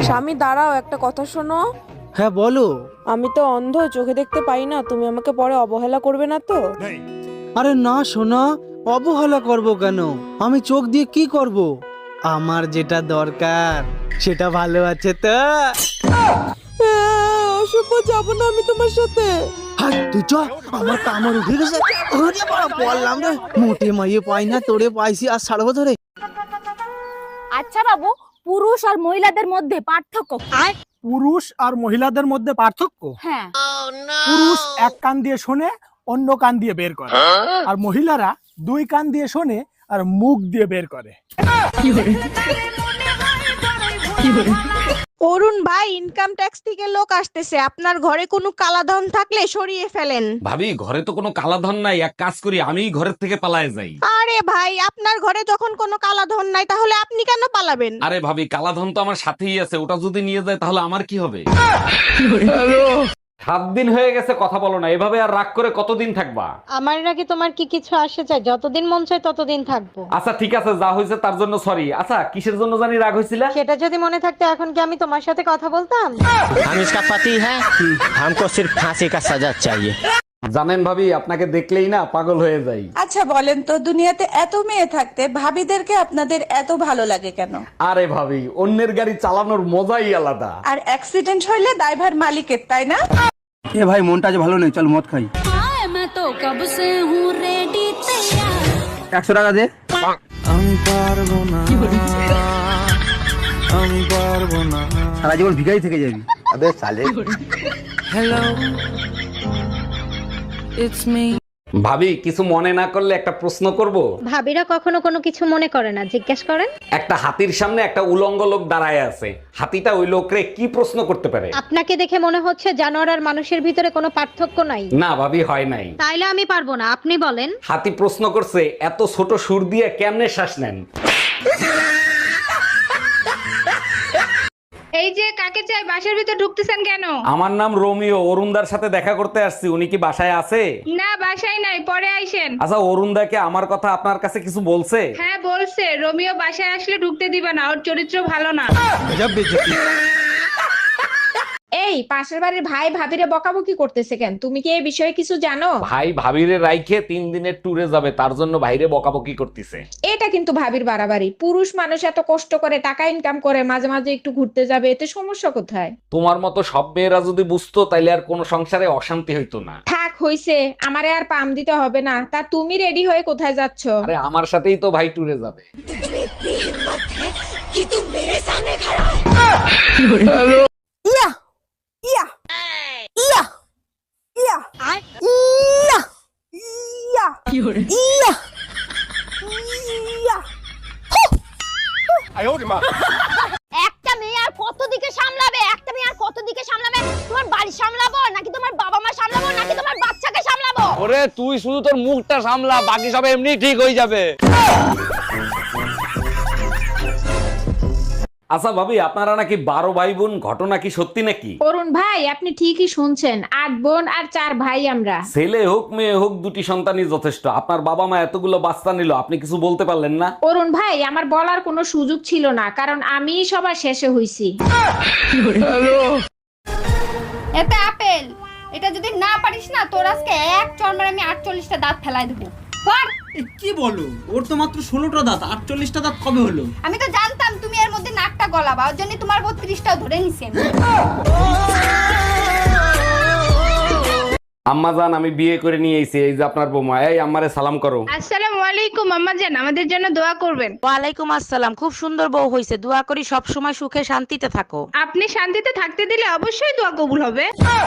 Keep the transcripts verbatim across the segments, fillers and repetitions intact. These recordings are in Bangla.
স্বামী দাঁড়াও, একটা কথা শোনো। হ্যাঁ বলো। আমি তো অন্ধ, চোখে দেখতে পাই না, তুমি আমাকে পরে অবহেলা করবে না তো? আরে না সোনা, অবহেলা করব কেন? আমি চোখ দিয়ে কি করব? আমার যেটা দরকার সেটা ভালো আছে তো। অশুভ, যাবো না আমি তোমার সাথে। হাই তুই চ, আমার কামড় উঠে গেছে। ওরে বাবা, বললাম রে, মোটে মাইয়ে পাই না, তোরে পাইছি আর ছাড়বো ধরে। আচ্ছা বাবু, পুরুষ আর মহিলাদের মধ্যে পার্থক্য কি? পুরুষ আর মহিলাদের মধ্যে পার্থক্য? হ্যাঁ। পুরুষ এক কান দিয়ে শোনে, অন্য কান দিয়ে বের করে, আর মহিলারা দুই কান দিয়ে শোনে আর মুখ দিয়ে বের করে। অরুণ ভাই, ইনকাম ট্যাক্স থেকে লোক আসতেছে, আপনার ঘরে কোনো কালাধন থাকলে সরিয়ে ফেলেন। ভাবি, ঘরে তো কোনো কালাধন নাই, এক কাজ করি, আমি ঘরের থেকে পালায়ে যাই। আরে ভাই, আপনার ঘরে যখন কোনো কালাধন নাই তাহলে আপনি কেন পালাবেন? আরে ভাবি, কালাধন তো আমার সাথেই আছে, ওটা যদি নিয়ে যায় তাহলে আমার কি হবে? সাত দিন হয়ে গেছে কথা বলো না, এভাবে আর রাগ করে কতদিন থাকবা? আমার নাকি তোমার কি কিছু আসে চাই? যতদিন মন চায় ততদিন থাকবো। আচ্ছা ঠিক আছে, যা হয়েছে তার জন্য সরি। আচ্ছা, কিসের জন্য জানি রাগ হয়েছিল? সেটা যদি মনে থাকতো এখন কি আমি তোমার সাথে কথা বলতাম? हम इसका पति है, हमको सिर्फ फांसी का सजा चाहिए। জানেন ভাবি, আপনাকে দেখলেই না পাগল হয়ে যাই। আচ্ছা বলেন তো, দুনিয়াতে এত মেয়ে থাকতে ভাবিদেরকে আপনাদের এত ভালো লাগে কেন? আরে ভাবি, অন্যের গাড়ি চালানোর মজাই আলাদা। আর অ্যাক্সিডেন্ট হইলে দায়ভার মালিকের, তাই না? এ ভাই, মনটা যে ভালো নেই, চল মদ খাই। একশো টাকা দে। আমি পারবো না, আমি পারবো না, সারা জীবন ভিখারি থেকে যাবি। আবে সালে। Hello, it's me. ভাবি, কিছু মনে না করলে একটা প্রশ্ন করব? ভাবিরা কখনো কোনো কিছু মনে করে না, জিজ্ঞেস করেন। একটা হাতির সামনে একটা উলঙ্গ লোক দাঁড়ায় আছে, হাতিটা ওই লোকরে কি প্রশ্ন করতে পারে? আপনাকে দেখে মনে হচ্ছে জানোয়ার আর মানুষের ভিতরে কোনো পার্থক্য নাই। না ভাবি, হয় নাই। তাইলে আমি পারবো না, আপনি বলেন। হাতি প্রশ্ন করছে, এত ছোট সুর দিয়ে কেমনে শ্বাস নেন? এই যে কাকে চাই, বাসার ভিতর ঢুকতেছেন কেন? আমার নাম রোমিও, অরুণদার সাথে দেখা করতে আসছি, উনি কি বাসায় আছে? না, বাসায় নাই, পরে আইসেন। আচ্ছা, অরুণদাকে আমার কথা আপনার কাছে কিছু বলছে? হ্যাঁ বলছে, রোমিও বাসায় আসলে ঢুকতে দিবে না, ওর চরিত্র ভালো না। এই পাশের বাড়ির ভাই ভাবিরে বকাবকি করতেছে কেন? তুমি কি এই বিষয়ে কিছু জানো? ভাই ভাবিরে রাইখে তিন দিনের ট্যুরে যাবে, তার জন্য ভাইরে বকাবকি করতেছে। এটা কিন্তু ভাবির বাড়াবাড়ি। পুরুষ মানুষ এত কষ্ট করে টাকা ইনকাম করে, মাঝে মাঝে একটু ঘুরতে যাবে, এতে সমস্যা কোথায়? তোমার মতো সব মেয়েরা যদি বুঝতো তাইলে আর কোনো সংসারে অশান্তি হইতো না। থাক হইছে, আমারে আর পাম দিতে হবে না। তা তুমি রেডি হয়ে কোথায় যাচ্ছ? আরে আমার সাথেই তো ভাই ট্যুরে যাবে। ইয়া ইয়া ইয়া ইয়া ইয়া ইয়া ইয়া ইয়া। একটা মেয়ে আর কত দিকে সামলাবে? একটা মেয়ে আর কত দিকে সামলাবে? তোমার বাড়ি সামলাবো নাকি তোমার বাবা মা সামলাবো নাকি তোমার বাচ্চাকে সামলাবো? ওরে তুই শুধু তোর মুখটা সামলা, বাকি সব এমনি ঠিক হয়ে যাবে। আচ্ছা ভাবি, আপনারা নাকি বারো ভাই বোন, ঘটনা কি সত্যি নাকি? অরুণ ভাই, আপনি ঠিকই শুনছেন, আট বোন আর চার ভাই আমরা। ছেলে হোক মেয়ে হোক, দুটি সন্তানই যথেষ্ট। আপনার বাবা মা এতগুলো বাচ্চা নিল, আপনি কিছু বলতে পারলেন না? অরুণ ভাই, আমার বলার কোনো সুযোগ ছিল না, কারণ আমি সবার শেষে হইছি। এটা আপেল, এটা যদি না পারিস না, তোর আজকে এক চড় আমি আটচল্লিশটা দাঁত ফেলাই দেবো। কি বলো, ওর তো মাত্র ষোলোটা দাঁত, আটচল্লিশটা দাঁত কবে হলো? আমি তো জানতাম তুমি এর মধ্যে নাকটা গলাবা, ওর জন্য তোমার বত্রিশটাও ধরে নিছেন। আম্মা জান, আমি বিয়ে করে নিয়ে এসেছি, এই যে আপনার বৌমা। এই আম্মারে সালাম করো। আসসালামু আলাইকুম আম্মা জান, আমাদের জন্য দোয়া করবেন। ওয়ালাইকুম আসসালাম, খুব সুন্দর বউ হইছে, দোয়া করি সব সময় সুখে শান্তিতে থাকো। আপনি শান্তিতে থাকতে দিলে অবশ্যই দোয়া কবুল হবে।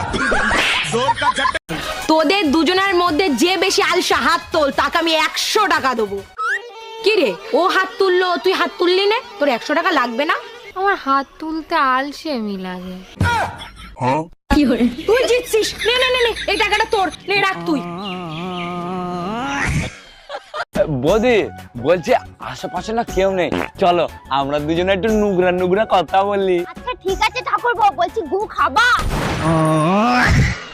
তোদের দুজনের মধ্যে যে বেশি আলসা হাত তোল, তাকে আমি একশো টাকা দেবো। কি রে, ও হাত তুললো, তুই হাত তুললি না, তোর একশো টাকা লাগবে না? আমার হাত তুলতে আলসেমি লাগে। তুই জিতছিস, নে নে নে নে, এই টাকাটা তোর, নে রাখ তুই। বৌদি বলছি, আশেপাশে না কেউ নেই, চলো আমরা দুজনে একটু নুগরা নুগরা কথা বলি। আচ্ছা ঠিক আছে ঠাকুরপো, বলছি গু খাবা?